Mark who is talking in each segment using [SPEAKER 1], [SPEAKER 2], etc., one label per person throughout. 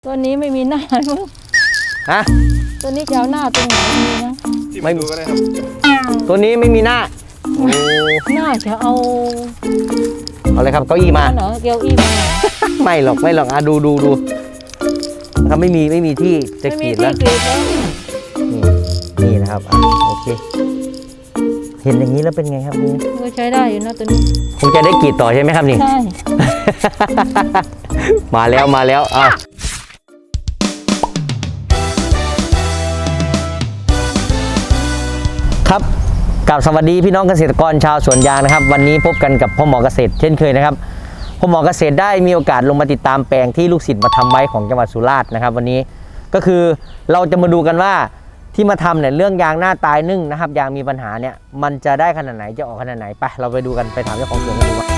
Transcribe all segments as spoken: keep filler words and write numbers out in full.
[SPEAKER 1] ตัวนี้ไม่มีหน้ามั้ง
[SPEAKER 2] ฮะ
[SPEAKER 1] ตัวนี้จะเอาหน้าตรงไหนมีนะ
[SPEAKER 2] ไม่ดูก็ได้ครับตัวนี้ไม่มีหน้าโอ้
[SPEAKER 1] หน้าจะเอา
[SPEAKER 2] เอาเลยครับเก้าอี้มา
[SPEAKER 1] เหรอเก้าอี้มา
[SPEAKER 2] ไม่หรอกไม่หรอกอ่ะดูดูดูนะครับไม่มีไม่มีที่จะกรีดแล้วนี่นี่นะครับอ่ะโอเคเห็นอย่างนี้แล้วเป็นไงครับนี่
[SPEAKER 1] ก็ใช้ได้อยู่นะตัวนี้
[SPEAKER 2] คงจะได้กรีดต่อใช่ไหมครับนี่
[SPEAKER 1] ใช่
[SPEAKER 2] มาแล้วมาแล้วอ่ะครับกับสวัสดีพี่น้องเกษตรกรชาวสวนยางนะครับวันนี้พบกันกับพ่อหมอเกษตรเช่นเคยนะครับพ่อหมอเกษตรได้มีโอกาสลงมาติดตามแปลงที่ลูกศิษย์มาทำไว้ของจังหวัดสุราษฎร์นะครับวันนี้ก็คือเราจะมาดูกันว่าที่มาทำเนี่ยเรื่องยางหน้าตายนึ่งนะครับยางมีปัญหาเนี่ยมันจะได้ขนาดไหนจะออกขนาดไหนไปเราไปดูกันไปถามเจ้าของสวนกันดูว่า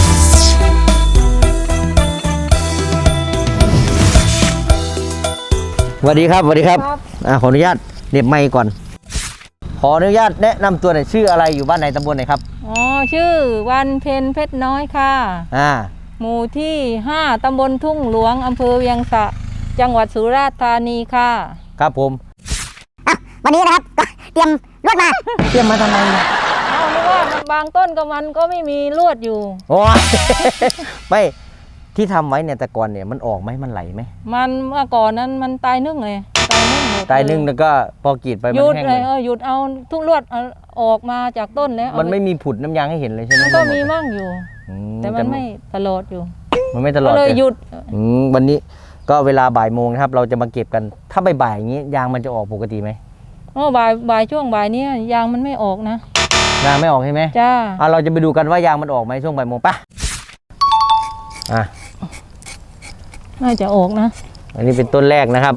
[SPEAKER 2] สวัสดีครับสวัสดีครับอ่าขออนุญาตเน็บไมค์ก่อนขออนุญาตแนะนำตัวหน่อยชื่ออะไรอยู่บ้านไหนตำบลไหนครับ
[SPEAKER 1] อ๋อชื่อวันเพ็ญเพชรน้อยค่ะ
[SPEAKER 2] อ่า
[SPEAKER 1] หมู่ที่ห้าตำบลทุ่งหลวงอำเภอเวียงสะจังหวัดสุราษฎร์ธานีค่ะ
[SPEAKER 2] ครับผม
[SPEAKER 3] วันนี้นะครับเตรียมลวดมา
[SPEAKER 2] เตรียมมาทำไมเนี่ย
[SPEAKER 1] เอาไม่ว่าบางต้นกับมันก็ไม่มีลวดอยู่
[SPEAKER 2] โอ้ไม่ที่ทำไว้เนี่ยแต่ก่อนเนี่ยมันออกไหมมันไหลไหม
[SPEAKER 1] มันเมื่อก่อนนั้นมันตายนึ่งเลยตายนึ่งหมด
[SPEAKER 2] ตายนึ่งแล้วก็พอกรีดไปมันแห้ง
[SPEAKER 1] เลยเออหยุดเอาทุกลวดออกมาจากต้นแล้ว
[SPEAKER 2] มันไม่มีผุดน้ำยางให้เห็นเลยใช่ไหม
[SPEAKER 1] มันก็มีมั่งอยู่แต่มันไม่ตลอดอยู่
[SPEAKER 2] มันไม่ตลอด
[SPEAKER 1] เลยหยุด
[SPEAKER 2] วันนี้ก็เวลาบ่ายโมงนะครับเราจะมาเก็บกันถ้าบ่ายๆอย่างนี้ยางมันจะออกปกติไหม
[SPEAKER 1] อ๋อบ่ายบ่ายช่วงบ่ายนี้ยางมันไม่ออกนะ
[SPEAKER 2] ยางไม่ออกใช่ไหม
[SPEAKER 1] จ้า
[SPEAKER 2] อ่ะเราจะไปดูกันว่ายางมันออกไหมช่วงบ่ายโมงป่ะอ่ะ
[SPEAKER 1] น่าจะออกนะ
[SPEAKER 2] อันนี้เป็นต้นแรกนะครับ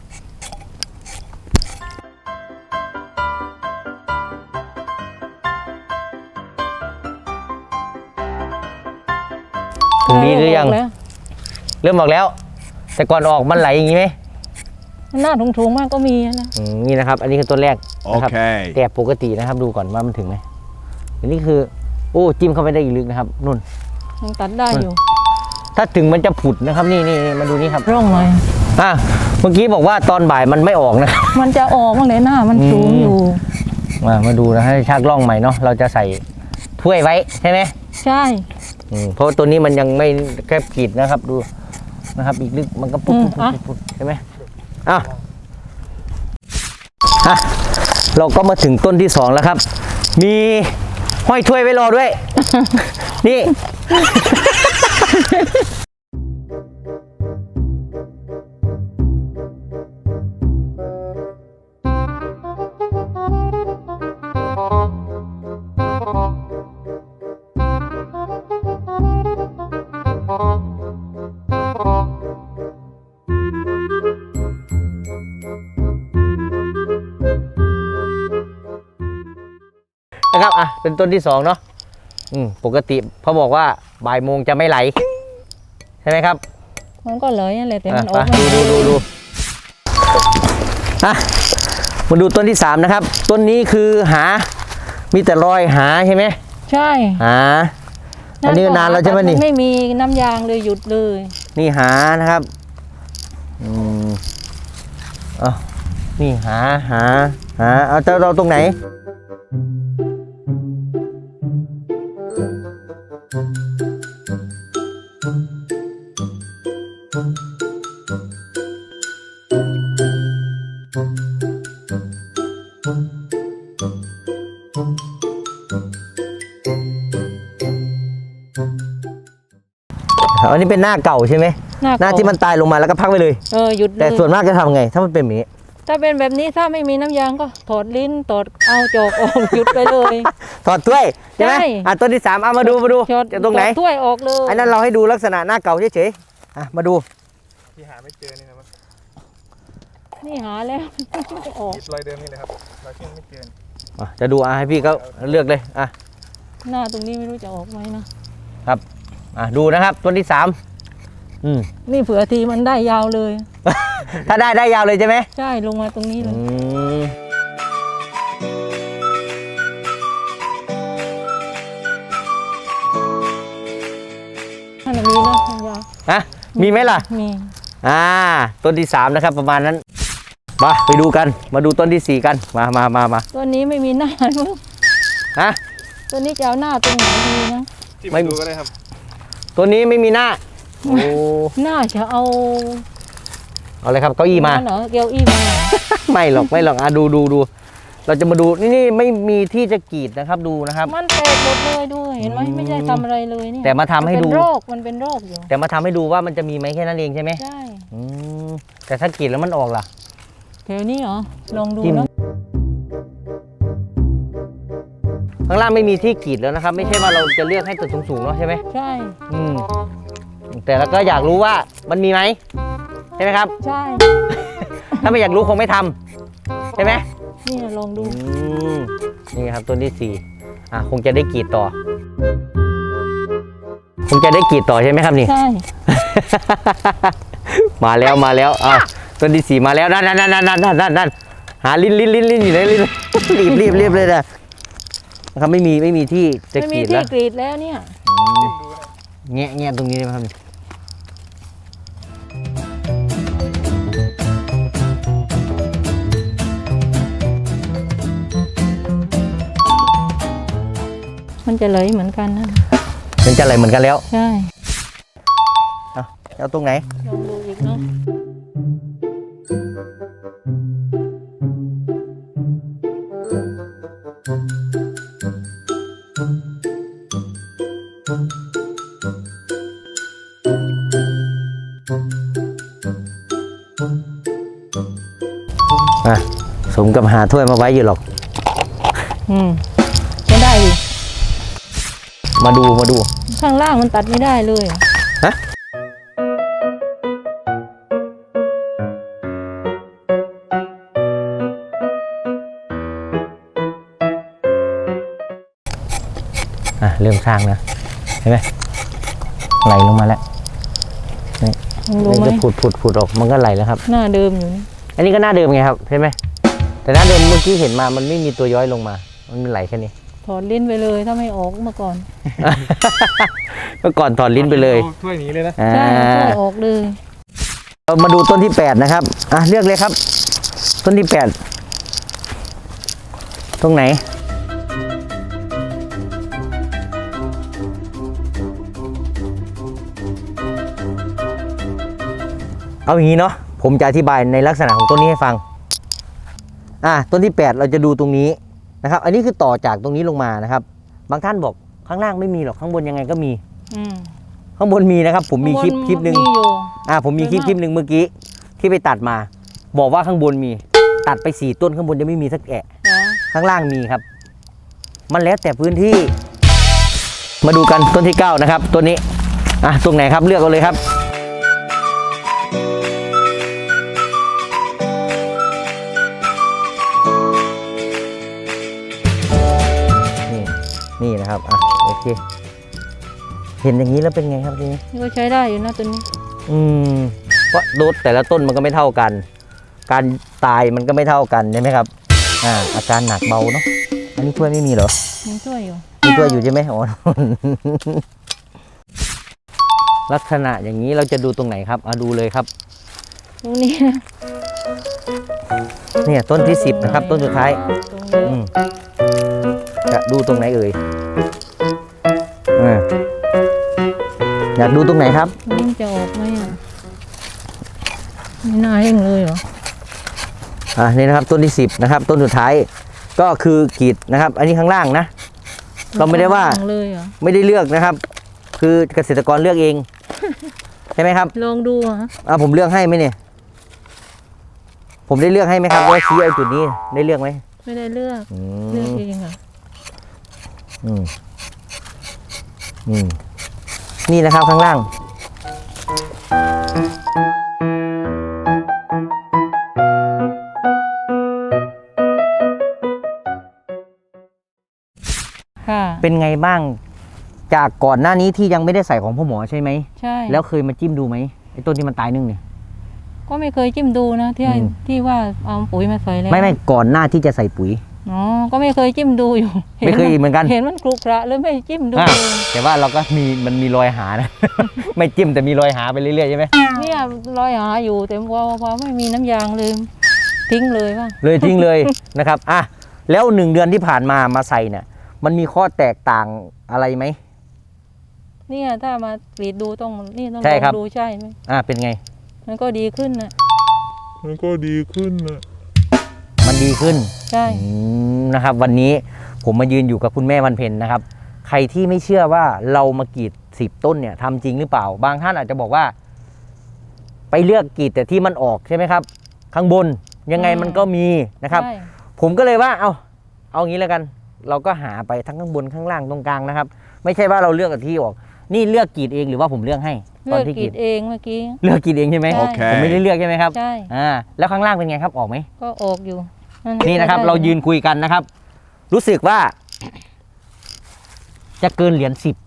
[SPEAKER 2] ถึงดีหรือยังเริ่มออกแล้วแต่ก่อนออกมันไหลอย่างนี้ไหม
[SPEAKER 1] หน้าถุงๆมากก็มีนะ
[SPEAKER 2] นี่นะครับอันนี้คือต้นแรกนะครับแต่ปกตินะครับดูก่อนว่ามันถึงไหมอันนี้คือโอ้จิ้มเข้าไปได้อีกลึกนะครับนุ่น
[SPEAKER 1] ยังตัดได้อยู่
[SPEAKER 2] ถ้าถึงมันจะผุดนะครับนี่นี่มาดูนี่ครับ
[SPEAKER 1] ร่องเลย
[SPEAKER 2] อ่ะเมื่อกี้บอกว่าตอนบ่ายมันไม่ออกนะ
[SPEAKER 1] มันจะออกบ้างเลยหน้ามันสูงอยู่
[SPEAKER 2] มามาดูนะให้ชักร่องใหม่เนาะเราจะใส่ถ้วยไว้ใช่ไหม
[SPEAKER 1] ใช่
[SPEAKER 2] เพราะตัวนี้มันยังไม่แค่กรีดนะครับดูนะครับอีกลึกมันก็ปุ๊บปุ๊บใช่ไหมอ้าวอ่ะเราก็มาถึงต้นที่สองแล้วครับมีห้อยถ้วยไว้รอด้วยนี่นะครับอ่ะเป็นต้นที่สองเนาะอืมปกติเขาบอกว่าบ่ายโมงจะไม่ไหลใช่ไหมครับ
[SPEAKER 1] มันก็ไหลอะไรแต่มันออก
[SPEAKER 2] ดูดูดูดูอ่ะมาดูต้นที่สามนะครับต้นนี้คือหามีแต่รอยหาใช่ไหม
[SPEAKER 1] ใช่
[SPEAKER 2] หาอันนี้นานแล้วใช่ไหมนี่
[SPEAKER 1] ไม่มีน้ำยางเลยหยุดเลย
[SPEAKER 2] นี่หานะครับอืมอ๋อนี่หาหาหาเอาจะเราตรงไหนอันนี้เป็นหน้าเก่าใช่ไหมหน้าที่มันตายลงมาแล้วก็พักไปเลย
[SPEAKER 1] เออหยุด
[SPEAKER 2] แต่ส่วนมากจะทำไงถ้ามันเป็นแบบนี้
[SPEAKER 1] ถ้าเป็นแบบนี้ถ้าไม่มีน้ำยางก็ถอดลิ้นถอดเอาจอกออกหยุดไปเลย
[SPEAKER 2] ถอดถ้วยใช่ไหมอ่ะต้นที่สามเอามาดูมาดูจะตรงไหน
[SPEAKER 1] ถ้วยออกเลย
[SPEAKER 2] อันนั้นเราให้ดูลักษณะหน้าเก่าเฉยๆอ่ะมาดู
[SPEAKER 4] ที่หาไม่เจอนี่ครับ
[SPEAKER 1] นี่หาแล้วไม่ออก
[SPEAKER 4] รอยเดิมนี่เลยครับรอยที่ไม่เจอ
[SPEAKER 2] อ่ะจะดูอ่ะให้พี่เขาเลือกเลยอ่ะ
[SPEAKER 1] หน้าตรงนี้ไม่รู้จะออกไหมนะครับ
[SPEAKER 2] อ่ะดูนะครับต้นที่สามอืม
[SPEAKER 1] นี่เผื่อทีมันได้ยาวเลย
[SPEAKER 2] ถ้าได้ได้ยาวเลยใช่ไหม
[SPEAKER 1] ใช่ลงมาตรงนี้เลยถ้ามีนะยาว
[SPEAKER 2] ฮะมีไหมล่ะ
[SPEAKER 1] มี
[SPEAKER 2] อ่าต้นที่สามนะครับประมาณนั้นมาไปดูกันมาดูต้นที่สี่กันมามามามา
[SPEAKER 1] ต้นนี้ไม่มีหน้ามั้ง
[SPEAKER 2] ฮะ
[SPEAKER 1] ต้นนี้จะเอาหน้าตรงไหนดีนะ
[SPEAKER 4] จิ้ม
[SPEAKER 2] ไม่
[SPEAKER 4] ดูก็ได้ครับ
[SPEAKER 2] ตัวนี้ไม่มีหน้าโอ้
[SPEAKER 1] หน้าจะเอา
[SPEAKER 2] เอาเลยครับเก้าอี้มา
[SPEAKER 1] เหรอเกลียวอี้มา
[SPEAKER 2] ไม่หรอกไม่หรอกอ่ะดูดูดูเราจะมาดูนี่นี่ไม่มีที่จะกรีดนะครับดูนะครับ
[SPEAKER 1] มันแตกหมดเลยด้วยเห็นไหม
[SPEAKER 2] อืม
[SPEAKER 1] ไม่ได้ทำอะไรเลยเนี่ย
[SPEAKER 2] แต่มาทำให้ดู
[SPEAKER 1] นเป็นโรคมันเป็นโรคอยู่
[SPEAKER 2] แต่มาทำให้ดูว่ามันจะมีไหมแค่นั้นเองใช่ไหม
[SPEAKER 1] ใช่
[SPEAKER 2] อืมแต่ถ้ากรีดแล้วมันออกล่ะ
[SPEAKER 1] แถวนี้เหรอลองดู
[SPEAKER 2] จิ้ม
[SPEAKER 1] นะ
[SPEAKER 2] ข้างล่างไม่มีที่กรีดแล้วนะครับ ไม่ใช่ว่าเราจะเลือกให้ตัวสูงๆเนาะใช่ไหม
[SPEAKER 1] ใช่
[SPEAKER 2] อืมแต่เราก็อยากรู้ว่ามันมีไหมใช่ไหมครับ
[SPEAKER 1] ใช่
[SPEAKER 2] ถ้าไม่อยากรู้คงไม่ทำใช่ไหม
[SPEAKER 1] นี่ลองดู
[SPEAKER 2] อืมนี่ครับต้นที่สี่อ่ะคงจะได้กรีดต่อ คงจะได้กรีดต่อใช่ไหมครับนี่
[SPEAKER 1] ใช่
[SPEAKER 2] มาแล้วมาแล้วอ่ะต้นที่สี่มาแล้วนั่นนั่นนั่นนั่นนั่นนั่นนั่นหาลิ้นลิ้นลิ้นลิ้นอยู่ไหนลิ้นรีบรีบรีบเลยนะนะครับไม่มีไม่มีที่จะ
[SPEAKER 1] ไม่
[SPEAKER 2] ก
[SPEAKER 1] มี
[SPEAKER 2] รีด
[SPEAKER 1] ที่
[SPEAKER 2] แล้ว
[SPEAKER 1] กรีดแล้วเนี่ย
[SPEAKER 2] อืม
[SPEAKER 4] จิ้มดูก็ได้
[SPEAKER 2] แงะแงะตรงนี้ได้ไหมครับ
[SPEAKER 1] มันจะเลยเหมือนกันนะ
[SPEAKER 2] มันจะอะไรเหมือนกันแล้ว
[SPEAKER 1] ใช่
[SPEAKER 2] เอาเอาตรงไหน
[SPEAKER 1] ลองดูอีกเนาะ
[SPEAKER 2] อ่ะสมกับหาถ้วยมาไว้อยู่หรอก
[SPEAKER 1] อืมไม่ได้ดิ
[SPEAKER 2] มาดูมาดู
[SPEAKER 1] ข้างล่างมันตัดไม่ได้เลยอะ
[SPEAKER 2] ฮะอ่ะเริ่มสร้างนะเห็นไหมไหลลงมาแล้วนี่
[SPEAKER 1] ลองดู
[SPEAKER 2] มัน
[SPEAKER 1] ไหม
[SPEAKER 2] จะผุดผุดผุดออกมันก็ไหลแล้วครับ
[SPEAKER 1] หน้าเดิมอยู่นี่
[SPEAKER 2] อันนี้ก็หน้าเดิมไงครับเห็นไหมแต่หน้าเดิมเมื่อกี้เห็นมามันไม่มีตัวย้อยลงมา มันไหลแค่นี้
[SPEAKER 1] ถอดลิ้นไปเลยถ้าไม่ออกเมื่อก่อน
[SPEAKER 2] เมื่อก่อนถอดลิ้นไปเลย
[SPEAKER 4] อาถ้วยนี้เลยนะ
[SPEAKER 2] อ่า
[SPEAKER 1] ใช่ช่วยออกเลย
[SPEAKER 2] เรามาดูต้นที่แปดนะครับอ่ะเลือกเลยครับ ต้นที่แปดตรงไหนเอาอย่างนี้เนาะผมจะอธิบายในลักษณะของต้นนี้ให้ฟังอ่ะต้นที่แปดเราจะดูตรงนี้นะครับ อันนี้คือต่อจากตรงนี้ลงมานะครับ บางท่านบอกข้างล่างไม่มีหรอกข้างบนยังไงก็มี
[SPEAKER 1] อืม
[SPEAKER 2] ข้างบนมีนะครับ ผมมีคลิปคลิปหนึ่ง
[SPEAKER 1] มีอยู่
[SPEAKER 2] อ่าผมมีคลิปคลิปหนึ่งเมื่อกี้ที่ไปตัดมา บอกว่าข้างบนมี ตัดไปสี่ต้นข้างบนจะไม่มีสักแอะ
[SPEAKER 1] เหรอ
[SPEAKER 2] ข้างล่างมีครับ มันแล้วแต่พื้นที่ มาดูกันต้นที่เก้านะครับต้นนี้อ่ะตรงไหนครับเลือกเอาเลยครับนี่นี่นะครับอ่ะโอเค เห็นอย่างนี้แล้วเป็นไงครับทีนี้
[SPEAKER 1] นี่ก็ใช้ได้อยู่นะตัวนี้
[SPEAKER 2] อืมเพราะโดสแต่ละต้นมันก็ไม่เท่ากัน การตายมันก็ไม่เท่ากันใช่ไหมครับ อ่า อาการหนักเบาเนาะ อันนี้ถ้วยไม่มีเหรอ
[SPEAKER 1] ยังช่วยอยู่
[SPEAKER 2] มีถ้วยอยู่ใช่ไหมอ๋อ ลักษณะอย่างนี้เราจะดูตรงไหนครับเอาดูเลยครับ
[SPEAKER 1] ตรงนี้นะ
[SPEAKER 2] เนี่ยต้นที่สิบนะครับ ต้นสุดท้าย
[SPEAKER 1] ตรงนี้
[SPEAKER 2] อืมจะดูตรงไหนเอ่ยอ่าอยากดูตรงไหนครับ
[SPEAKER 1] ลิ้นจะออกไหมอ่ะไม่น่าเร่งเลยเหรอ
[SPEAKER 2] อ่านี่นะครับต้นที่สิบนะครับ ต้นสุดท้ายก็คือกรีดนะครับ อันนี้ข้างล่างนะ เราไม่ได้ว่า
[SPEAKER 1] ลองเลยเหรอ
[SPEAKER 2] ไม่ได้เลือกนะครับ คือเกษตรกรเลือกเอง ใช่ไหมครับ
[SPEAKER 1] ลองดูอ่ะ
[SPEAKER 2] อ่าผมเลือกให้ไหมเนี่ย ผมได้เลือกให้ไหมครับว่าชี้เอาจุดนี้ได้เลือกไหม
[SPEAKER 1] ไม่ได้เลือก
[SPEAKER 2] อื
[SPEAKER 1] เลือก
[SPEAKER 2] ม
[SPEAKER 1] เองอ่ะ
[SPEAKER 2] อืมอืมนี่นะครับข้างล่าง
[SPEAKER 1] ค่ะ
[SPEAKER 2] เป็นไงบ้าง จากก่อนหน้านี้ที่ยังไม่ได้ใส่ของพ่อหมอใช่ไหม
[SPEAKER 1] ใช่
[SPEAKER 2] แล้วเคยมาจิ้มดูไหมไอ้ต้นที่มันตายนึ่งเนี่ย
[SPEAKER 1] ก็ไม่เคยจิ้มดูนะที่ให้
[SPEAKER 2] อืม
[SPEAKER 1] ที่ว่าเอาปุ๋ยมาใส่แล้ว
[SPEAKER 2] ไม่ไม่ก่อนหน้าที่จะใส่ปุ๋ย
[SPEAKER 1] อ๋อก็ไม่เคยจิ้มดูอยู่
[SPEAKER 2] ไม่เคยเหมือนกัน
[SPEAKER 1] เห็นมันคลุกคระเลยไม่จิ้มดู
[SPEAKER 2] อ่ะแต่ว่าเราก็มีมันมีรอยหานะ ไม่จิ้มแต่มีรอยหาไปเรื่อยๆใช่ไหม
[SPEAKER 1] เนี่ยรอยหาอยู่แต่พอพอไม่มีน้ำยางเลยทิ้งเลยว่า
[SPEAKER 2] เลยทิ้งเลย นะครับอ่ะแล้วหนึ่งเดือนที่ผ่านมามาใส่เนี่ยมันมีข้อแตกต่างอะไรไหม
[SPEAKER 1] เนี่ยถ้ามากรีดดูต้องนี่ต้อง
[SPEAKER 2] ใช่
[SPEAKER 1] ลอง
[SPEAKER 2] ครับ
[SPEAKER 1] ดูใช่ไหม
[SPEAKER 2] อ่ะเป็นไง
[SPEAKER 1] มันก็ดีขึ้นนะ
[SPEAKER 4] มันก็ดีขึ้นนะ
[SPEAKER 2] มันดีขึ้น
[SPEAKER 1] ใช่
[SPEAKER 2] อืมนะครับ วันนี้ผมมายืนอยู่กับคุณแม่วันเพ็ญนะครับ ใครที่ไม่เชื่อว่าเรามากรีดสิบต้นเนี่ยทำจริงหรือเปล่า บางท่านอาจจะบอกว่า ไปเลือกกรีดแต่ที่มันออกใช่ไหมครับ ข้างบนยังไงมันก็มีนะครับ
[SPEAKER 1] ใช่
[SPEAKER 2] ผมก็เลยว่าเอาเอางี้แล้วกัน เราก็หาไปทั้งข้างบนข้างล่างตรงกลางนะครับ ไม่ใช่ว่าเราเลือกแต่ที่ออก นี่เลือกกรีดเองหรือว่าผมเลือกให้
[SPEAKER 1] เลื
[SPEAKER 2] ตอ
[SPEAKER 1] อน ก
[SPEAKER 2] ที่
[SPEAKER 1] ก
[SPEAKER 2] ก
[SPEAKER 1] รี
[SPEAKER 2] รี
[SPEAKER 1] ด
[SPEAKER 2] ด
[SPEAKER 1] เองเมื่อกี้
[SPEAKER 2] เลือกกรีดเองใช่ไหม
[SPEAKER 1] ใช่
[SPEAKER 2] ผมไม่ได้เลือกใช่ไหมครับ
[SPEAKER 1] ใช่
[SPEAKER 2] อ่าแล้วข้างล่างเป็นไงครับออกไหม
[SPEAKER 1] ก็ออกอยู่
[SPEAKER 2] นี่นะครับ
[SPEAKER 1] ได้
[SPEAKER 2] เรายืนคุยกันนะครับ รู้สึกว่า จะเกินเหรียญสิบ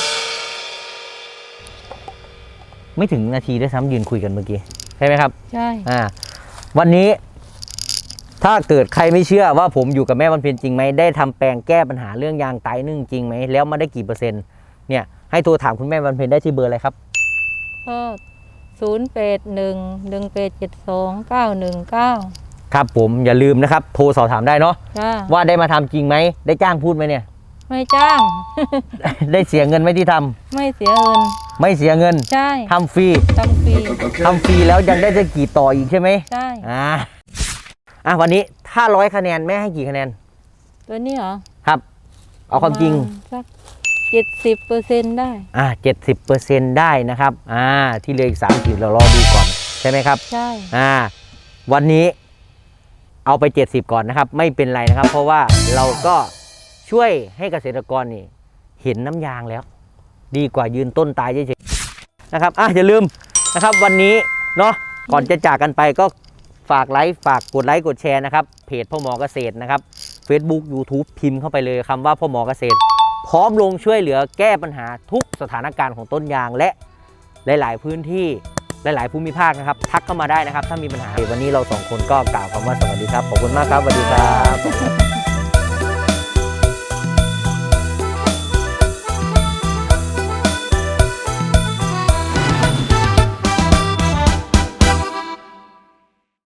[SPEAKER 2] ไม่ถึงนาทีด้วยซ้ำยืนคุยกันเมื่อกี้ใช่ไหมครับ
[SPEAKER 1] ใช่
[SPEAKER 2] อ่า วันนี้ ถ้าเกิดใครไม่เชื่อว่าผมอยู่กับแม่วันเพ็ญจริงไหมได้ทำแปลงแก้ปัญหาเรื่องยางตายนึ่งจริงไหมแล้วมาได้กี่เปอร์เซ็นต์เนี่ยให้โทรถามคุณแม่วันเพ็ญได้ที่เบอร์อะไรครับ
[SPEAKER 1] ก็ศูนย์แปดหนึ่งหนึ่งแปดเจ็ดสองเก้าหนึ่งเก้า
[SPEAKER 2] ครับผมอย่าลืมนะครับ โทรสอบถามได้เนาะ
[SPEAKER 1] จ้า
[SPEAKER 2] ว่าได้มาทำจริงไหมได้จ้างพูดไหมเนี่ย
[SPEAKER 1] ไม่จ้าง
[SPEAKER 2] ได้เสียเงินไหมที่ทำ
[SPEAKER 1] ไม่เสียเงิน
[SPEAKER 2] ไม่เสียเงิน
[SPEAKER 1] ใช่
[SPEAKER 2] ทำฟรี
[SPEAKER 1] ทำฟรี
[SPEAKER 2] ทำฟรีแล้วยังได้จะกี่ต่ออีกใช่ไหม
[SPEAKER 1] ใช่
[SPEAKER 2] อ่าอ่ะวันนี้ถ้าร้อยคะแนนแม่ให้กี่คะแนน
[SPEAKER 1] ตัวนี้เหรอ
[SPEAKER 2] ครับ เอาความจริง
[SPEAKER 1] สักเจ็ดสิบเปอร์เซ็นต์ได้
[SPEAKER 2] อ่าเจ็ดสิบเปอร์เซ็นต์ได้นะครับ อ่า ที่เหลืออีกสามสิบเรารอดูก่อนใช่ไหมครับ
[SPEAKER 1] ใช่
[SPEAKER 2] อ่า วันนี้เอาไปเจ็ดสิบก่อนนะครับ ไม่เป็นไรนะครับ เพราะว่าเราก็ช่วยให้เกษตรกรนี่เห็นน้ำยางแล้ว ดีกว่ายืนต้นตายเฉยๆนะครับอ่ะอย่าลืมนะครับวันนี้เนาะก่อนจะจากกันไปก็ฝากไลค์ฝากกดไลค์กดแชร์นะครับเพจพ่อหมอเกษตรนะครับ Facebook YouTube พิมพ์เข้าไปเลยคำว่าพ่อหมอเกษตร พร้อมลงช่วยเหลือแก้ปัญหาทุกสถานการณ์ของต้นยางและหลายๆพื้นที่หลายๆภูมิภาคนะครับทักเข้ามาได้นะครับถ้ามีปัญหาวันนี้เราสองคนก็กล่าวคำว่าสวัสดีครับขอบคุณมากครับสวัสดีครับ